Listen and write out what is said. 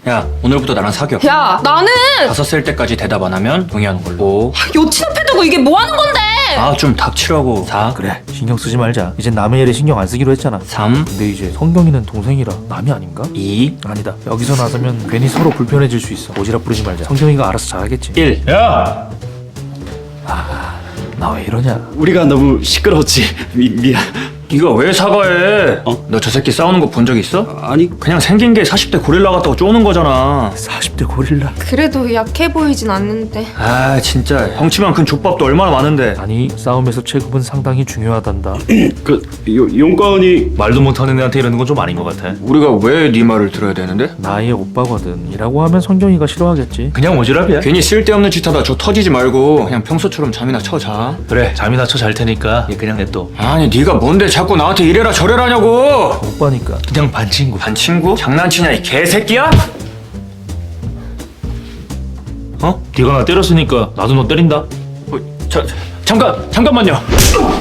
야, 오늘부터 나랑 사귀어. 야, 나는 5살 때까지 대답 안 하면 동의하는 걸로. 여친 앞에 두고 이게 뭐 하는 건데? 아, 좀 닥치라고. 4, 그래, 신경 쓰지 말자. 이젠 남의 일에 신경 안 쓰기로 했잖아. 3, 근데 이제 성경이는 동생이라 남이 아닌가? 2, 아니다. 여기서 나서면 괜히 서로 불편해질 수 있어. 오지랖 부리지 말자. 성경이가 알아서 잘하겠지. 1. 야! 나 왜 이러냐? 우리가 너무 시끄러웠지. 미안. 네가 왜 사과해? 너 저 새끼 싸우는 거 본 적 있어? 아니 그냥 생긴 게 40대 고릴라 같다고 쪼는 거잖아. 40대 고릴라. 그래도 약해 보이진 않는데. 아, 진짜 덩치만 큰 족밥도 얼마나 많은데. 아니, 싸움에서 체급은 상당히 중요하단다. 그 용건이 말도 못하는 애한테 이러는 건 좀 아닌 것 같아. 우리가 왜 네 말을 들어야 되는데? 나의 오빠거든. 이라고 하면 성경이가 싫어하겠지. 그냥 오지랖이야. 괜히 쓸데없는 짓 하다 저 터지지 말고 그냥 평소처럼 잠이나 쳐 자. 그래, 잠이나 쳐 잘 테니까 얘 그냥 냅둬. 아니, 네가 뭔데 자꾸 나한테 이래라 저래라 하냐고. 오빠니까. 그냥 반 친구. 반 친구? 장난치냐 이 개새끼야? 네가 나 때렸으니까 나도 너 때린다. 잠깐만요.